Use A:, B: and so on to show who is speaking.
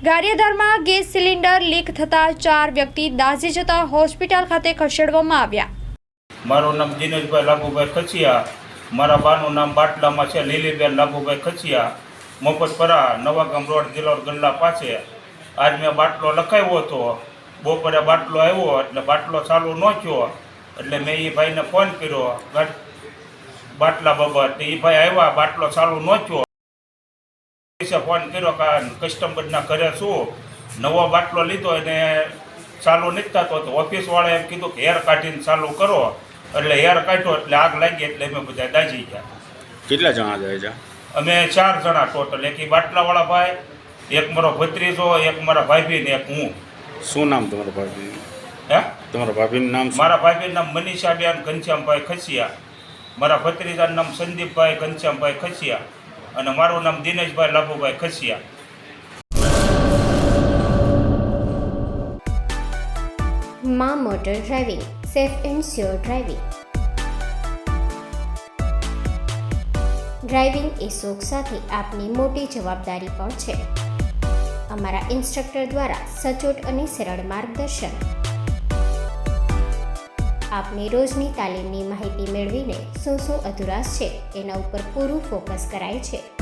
A: ગારિયાધારમાં gas cylinder leak થતા 4 વ્યક્તિ દાઝી જતા હોસ્પિટલ ખાતે ખસેડવામાં આવ્યા।
B: મારું નામ દિનેશભાઈ લાભુભાઈ ખચિયા, મારા બાનું નામ બાટલામાં છે લીલીબેન લાભુભાઈ ખચિયા, મફતપરા નવાગામ રોડ દિલોર ગલ્લા પાસે। આજ મેં બાટલો લખાવ્યો હતો, બપોરે બાટલો આવ્યો એટલે બાટલો ચાલુ ન થયો એટલે મેં એ ભાઈને ફોન કર્યો બાટલા બાબત। એ ભાઈ આવ્યા, બાટલો ચાલુ ન થયો, ફોન કર્યો કે કસ્ટમરના ઘરે શું નવો બાટલો લીધો અને ચાલુ નથી થતો, તો ઓફિસવાળાએ એમ કીધું કે હેર કાઢીને ચાલુ કરો, એટલે હેર કાઢ્યો એટલે આગ લાગી એટલે અમે બધા દાઝી ગયા।
C: કેટલા જણા જાય છે?
B: અમે 4 જણા ટોટલ, એક બાટલાવાળા ભાઈ, એક મારો ભત્રીજો, એક મારા ભાભી ને એક હું।
C: શું નામ તમારા ભાભી?
B: હે,
C: તમારા ભાભીનું નામ શું?
B: મારા ભાભીનું નામ મનીષાબેન ઘનશ્યામભાઈ ખચિયા, મારા ભત્રીજાનું નામ સંદીપભાઈ ઘનશ્યામભાઈ ખચિયા અને મારું નામ દિનેશભાઈ લાભુભાઈ ખચિયા।
D: માં motor driving, safe and sure driving. Driving એ શોખ સાથે આપની મોટી જવાબદારી પણ છે। અમારા ઇન્સ્ટ્રક્ટર દ્વારા સચોટ અને સરળ માર્ગદર્શન। આપની રોજની તાલીમની માહિતી મેળવીને શું અધુરાશ છે એના ઉપર પૂરું ફોકસ કરાય છે।